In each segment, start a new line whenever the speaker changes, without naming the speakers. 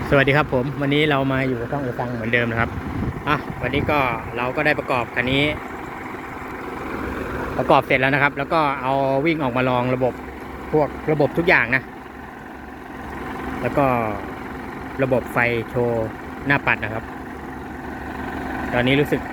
สวัสดีครับผมวันนี้เรามาอยู่กับช่องเอซังเหมือนเดิมนะครับวันนี้ก็เราก็ได้ประกอบคันนี้ประกอบเสร็จแล้วนะครับแล้วก็เอาวิ่งออกมาลองระบบพวกระบบทุกอย่างนะแล้วก็ระบบไฟโชว์หน้าปัดนะครับตอนนี้รู้สึก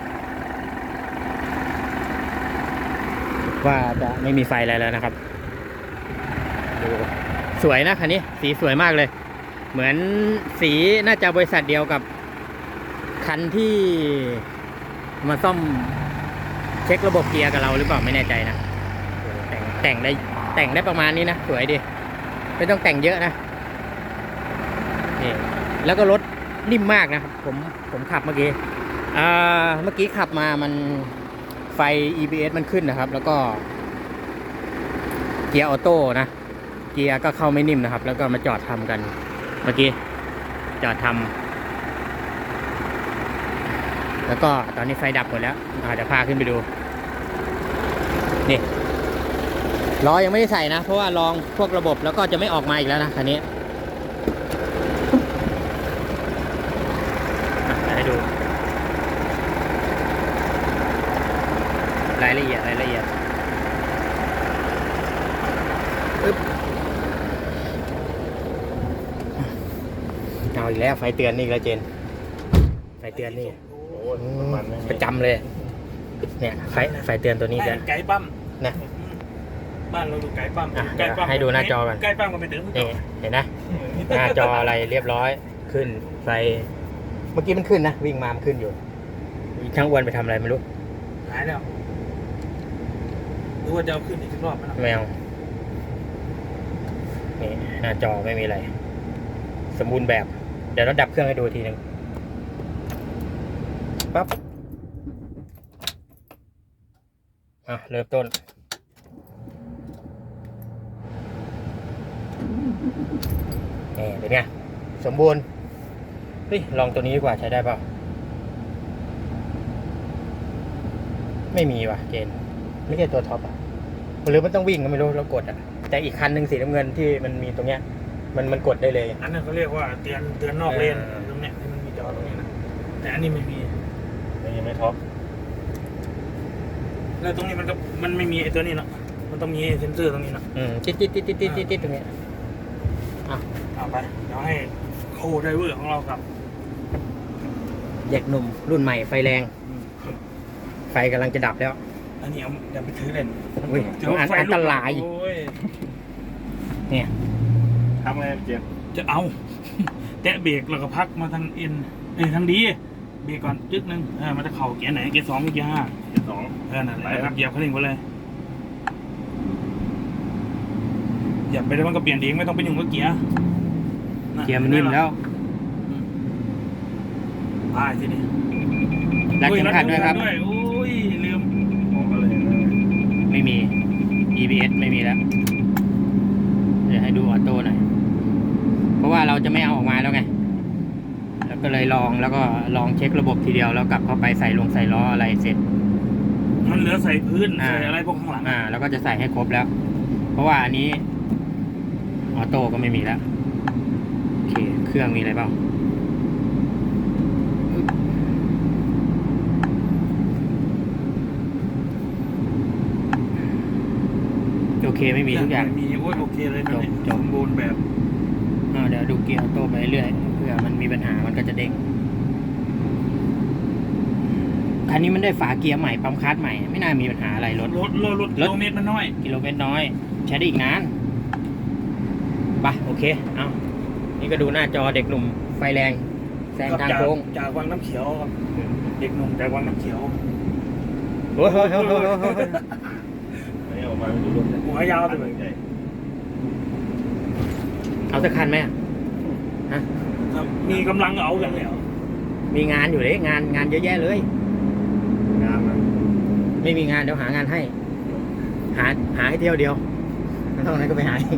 ว่าจะไม่มีไฟอะไรแล้วนะครับดูสวยนะคันนี้สีสวยมากเลยเหมือนสีน่าจะบริษัทเดียวกับคันที่มาซ่อมเช็คระบบเกียร์กับเราหรือเปล่าไม่แน่ใจนะแต่งได้ประมาณนี้นะสวยดีไม่ต้องแต่งเยอะนะนี่แล้วก็รถนิ่มมากนะครับผมขับเมื่อกี้ขับมามันไฟ EBS มันขึ้นนะครับแล้วก็เกียร์ออโต้นะเกียร์ก็เข้าไม่นิ่มนะครับแล้วก็มาจอดทำกันเมื่อกี้จอดทำแล้วก็ตอนนี้ไฟดับหมดแล้วเดี๋ยวพาขึ้นไปดูนี่ล้อยังไม่ได้ใส่นะเพราะว่าลองพวกระบบแล้วก็จะไม่ออกมาอีกแล้วนะคันนี้ให้ดูรายละเอียดเอาอีกแล้วไฟเตือนนี่แล้วเจนไฟเตือนนี่ประจำเลยเนี่ยไฟเตือนตัวนี้จะ
ไก่ปั๊ม
นะ
บ้านเราดูไก่ปั๊ม
ให้ดูหน้าจอกัน
ไก่ปั๊มก็ไปถึง
นี่เห็นนะหน้าจออะไรเรียบร้อยขึ้นไฟเมื่อกี้มันขึ้นนะวิ่งมามันขึ้นอยู่ช่างอ้วนไปทำอะไรไม่รู้
หายแล้วรู้ว่าจะเอาขึ้นอีกรอบไหม
แมวนี่หน้าจอไม่มีอะไรสมบูรณ์แบบเดี๋ยวเราดับเครื่องให้ดูทีนึงปั๊บเริ่มต้นนี่เป็นไงสมบูรณ์เฮ้ยลองตัวนี้ดีกว่าใช้ได้เปล่าไม่มีว่ะเจนไม่ใช่ตัวท็อปอ่ะหรือมันต้องวิ่งก็ไม่รู้เรากดอ่ะแต่อีกคันหนึ่งสีน้ำเงินที่มันมีตรงเนี้ยมันกดได้เลย
อันนั้นเขาเรียกว่าเตือนนอกเลนตรงเนี้ยที่มันมีจอตรงนี้นะแต่อันนี้ไม่มี
ยังไม่ท็อป
แล้วตรงนี้มันไม่มีไอ้ตัวนี้เนาะมันต้องมีเซ็นเซอร์ตรงนี้เนาะ
ติดตรงนี้
เอาไปเดี๋ยวให้โคไดเวอร์ของเราครับ
เด็กหนุ่มรุ่นใหม่ไฟแรงไฟกำลังจะดับแล้ว
อันนี้เดี๋ยวไปถือเล่น
อันตรายเนี่ย
ทำไงเจี๊ยบจะเอาแตะเบรกแล้วก็พักมาทางเอ็นทางดีเบรกก่อนจึ๊กนึงมันจะเข่าเกียร์ไหนเกียร์ 2เกียร์ 5เกียร์ 2นั่นแหละครับเหยียบคันเร่งไปเลยเหยียบไปแล้วมันก็เปลี่ยนเองไม่ต้องไปยุ่งกับเกียร์
มันนิ่มแล้ว
ตายทีนี้
รัดเข็มขัดด้วยครับ
โอ้ยลืม
ไม่มี EBS ไม่มีแล้วเดี๋ยวให้ดูออโต้หน่อยเพราะว่าเราจะไม่เอาออกมาแล้วไงแล้วก็เลยลองเช็คระบบทีเดียวแล้วกลับเข้าไปใส่ล้ออะไรเสร็จ
มันเหลือใส่พื้นใส่อะไรพวกข้างหลัง
แล้วก็จะใส่ให้ครบแล้วเพราะว่าอันนี้ออโต้ก็ไม่มีแล้วโอเคเครื่องมีอะไรบ้างโอเคไม่มีทุกอย่าง
มีโอเคเลยนะสมบูรณ์แบบ
เดี๋ยวดูเกียร์ออโต้ไปเรื่อยเผื่อมันมีปัญหามันก็จะเด้งคันนี้มันได้ฝาเกียร์ใหม่ปั๊มคลัตช์ใหม่ไม่น่ามีปัญหาอะไรรถ
กิโลเมตรมันน้อย
กิโลเมตรน้อยใช้ได้อีกนานไปโอเคเอานี่ก็ดูหน้าจอเด็กหนุ่มไฟแรงแซงทางโค้ง
จากวังน้ำเขียวครับเด็กหนุ่มจากวังน้ำเขียว
โอ้ย
หัวยาวเลย
เอาสักคันไหมฮะ
มีกำลังเอาอย่างเดียว
มีงานอยู่เลยงานเยอะแยะเลย
งาน
ไม่มีงานเดี๋ยวหางานให้หาให้เที่ยวเดียวแล้วเท่านั้นก็ไปหาเอง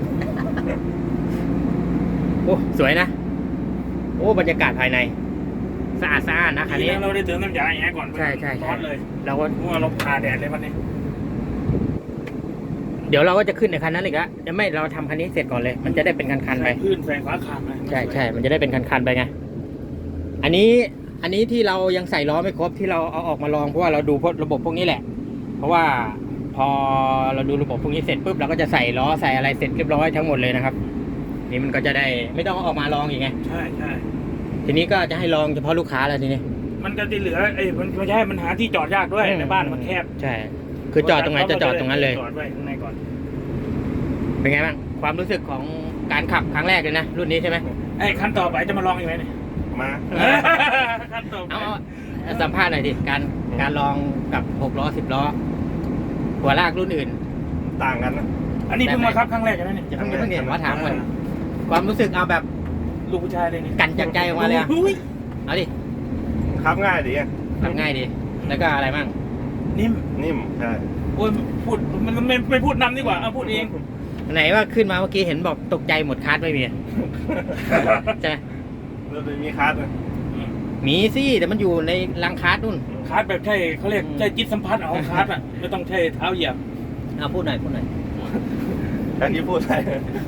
โอ้สวยนะโอ้บรรยากาศภายในสะอาดนะคันนี้
เราได้เติมน้ำยาแอร์ก่อน
ใช่
ร้อนเลย
เราก็
เราคาแดดเลยวันนี้
เดี๋ยวเราก็จะขึ้นในคันนั้นอีกละจะไม่เราทำคันนี้เสร็จก่อนเลย มันจะได้เป็นคันๆไป
ใส่พื้นใส่ฝาคางไป
ใช่ใช่มันจะได้เป็นคันๆไปไงอันนี้ที่เรายังใส่ล้อไม่ครบที่เราเอาออกมาลองเพราะว่าเราดูระบบพวกนี้แหละ เพราะว่าพอเราดูระบบพวกนี้เสร็จปุ๊บเราก็จะใส่ล้อใส่อะไรเสร็จเรียบร้อยทั้งหมดเลยนะครับนี่มันก็จะได้ไม่ต้องเอาออกมาลองอีกไง
ใช่ใช่
ทีนี้ก็จะให้ลองเฉพาะลูกค้าแล้วทีนี้
มันก็จะเหลือมันไม่ใช่มันหาที่จอดยากด้วยในบ้านมันแคบ
ใช่ คือจอดตรงไหนจะจอดตรงนั้นเลย
จอดไว้ข้างในก่อน
เป็นไงบ้างความรู้สึกของการขับครั้งแรกเลยนะรุ่นนี้ใช่ไหม
ไอ้ขั้นต่อไปจะมาลองอีกไหมเนี่ย
มา
ขั้นต่อไป
เอาสัมภาษณ์หน่อยดิการลองกับ6ล้อ10ล้อหัวลากรุ่นอื่น
ต่างกันนะ
อันนี้เพิ่งมาครับครั้งแรกใช่ไหมเนี่ย
จะเพิ่งเห็นว่าถามก่อนความรู้สึกเอาแบบ
ลูกผู้ชายเลยนี่
กันจากใจออกมาเลยอะ
อุ้ย
เอาดิ
ขับง่ายดีอะ
ทำง่ายดี แล้วก็อะไรบ้าง
นิ่ม
นิ่มใช่
โอ้ยพูดมันไม่พูดนำดีกว่าเอาพูดเอง
ไหนว่าขึ้นมาเมื่อกี้เห็นบอกตกใจหมดคาร์ดไม่มีใช่ไหม
เราจะมีคาร์ดนะ
มีสิแต่มันอยู่ในรังคาร์ดนู่น
คาร์ดแบบใช่เขาเรียกใช่จิตสัมผัสของคาร์ดอ่ะไม่ต้องใช้เท้าเหยียบ
เอาพูดหน่อย
แค่นี้พูดได้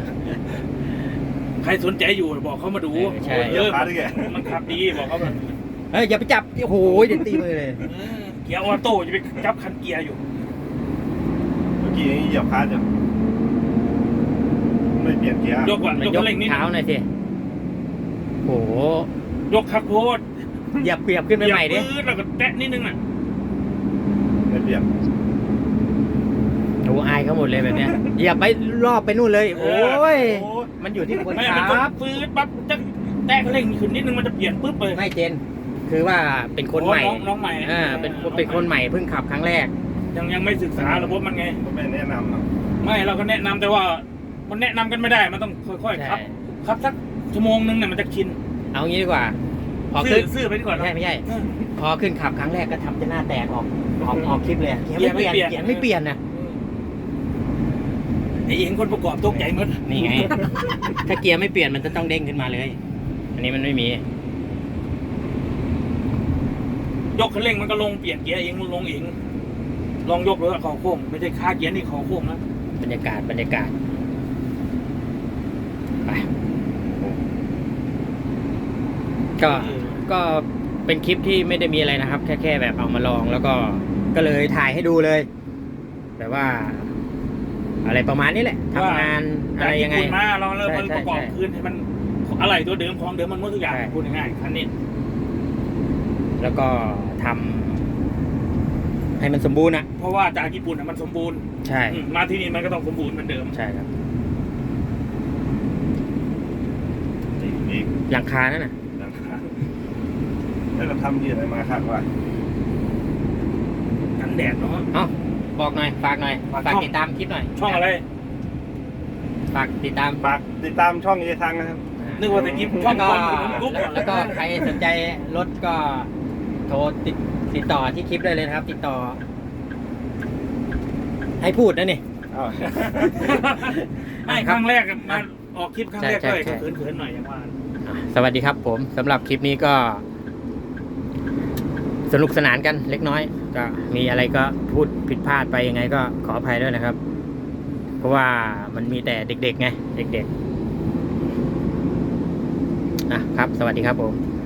ใครสนใจอยู่บอกเขามาดู
ใช่
เยอะ
คาร์ดได้แก
มันขับดีบอกเขาแบบ
เฮ้ยอย่าไปจับโอ้โหเดี๋ยวตีมือเลย
เกียร์ออโต้จะไปจับคันเกียร์อยู่
เมื่อกี้ยังเหยียบคาร์ดอยู่ไม่เปลี่ยนเกียร์
ยกก่อน
มัน
ยก
ยก
คันเร่งนิด
เท้าหน่อยสิโอ้โห
ยกคักโพด
เหยียบขึ้นไปใหม่ดิ
เหยียบปื๊ดแล้วก็แตะนิดนึงอ่ะ
ไม่เปลี่ยน
โอ้อายเขาหมดเลยแบบเนี้ยเหยียบไปรอบไปนู่นเลย โอ้ยมันอยู่ที่คน
ไม่
ขั
มันต้อง
บ
ปื๊ดปั๊บจะแตะคันเร่งขึ้นนิดนึงมันจะเปลี่ยนปุ๊บเลย
ไม่เจน คือว่าเป็นคนใหม่
น้องใหม่
เป็นคนใหม่เพิ่งขับครั้งแรก
ยังไม่ศึกษาระบบมันไง
ก็ไม่แนะนำเนาะ
ไม่เราก็แนะนำแต่ว่ามันแนะนำกันไม่ได้มันต้องค่อยๆ
ใช่
ขับสักชั่วโมงนึงเนี่ยมันจะชิน
เอางี้ดีกว่า พอขึ้น
ซื่อไปดีกว่า
ไม่ใช่
เออ
พอขึ้นขับครั้งแรกก็ทำจะหน้าแตกออกคลิปเลยอะ
เกียร์ไม่เปลี่ยน
เกียร์ไม่เปลี่ยนนะ
ไอ้เองคนประกอบตกใจหมด
นี่ไง ถ้าเกียร์ไม่เปลี่ยนมันจะต้องเด้งขึ้นมาเลย อันนี้มันไม่มี
ยกคันเร่งมันก็ลงเปลี่ยนเกียร์เองมันลงเองลองยกเลยว่าเขาโค้งไม่ใช่ค่าเกียร์นี่เขาโค้งนะ
บรรยากาศไปก็เป็นคลิปที่ไม่ได้มีอะไรนะครับ แค่แบบเอามาลองแล้วก็เลยถ่ายให้ดูเลยแบบว่า อะไรประมาณนี้แหละทำงานอะไรยังไง
จากญี่ปุ่นมาเราเริ่มมัน
ใช่
ประกอบ
ใช่
คืนให้มันอะไรตัวเดิมของเดิมมันหมดทุกอย่าง
ใช่
พูดง่ายๆคันนี้
แล้วก็ทำให้มันสมบูรณ์อ่ะ
เพราะว่าจากญี่ปุ่นมันสมบูรณ์
ใช่
มาที่นี่มันก็ต้องสมบูรณ์เหมือนเดิม
ใช่ครับ
อีก
หลังคานั่นน่ะ
นะครับแล้วเราทำยืดอะไรมาครับว่า
กันแดดเนาะ
เอ้าบอกหน่อยฝากหน่อย
ฝาก
ฝาก
ช่อง
ติดตามคลิปหน่อย
ช่องอะไร
ฝากติดตาม
ฝากติดตามช่องเยทังนะครับ
นึกว่าจะกินช่อง
แล้ว
ค
ก็
นกรุ๊ป
แล้วก็ใครสนใจรถก็โทรติดต่อที่คลิปได้เลยนะครับ ติดต่อ ให้พูดนะนี่
อ้าว
ให้ครั้งแรกมาออกคลิปครั้งแรก
ใช่
ด้วย
ใช่
เขินๆหน่อยอย่างว่า
สวัสดีครับผมสำหรับคลิปนี้ก็สนุกสนานกันเล็กน้อย ก็มีอะไรก็พูดผิดพลาดไปยังไงก็ขออภัยด้วยนะครับ เพราะว่ามันมีแต่เด็กๆไงเด็กๆครับสวัสดีครับผม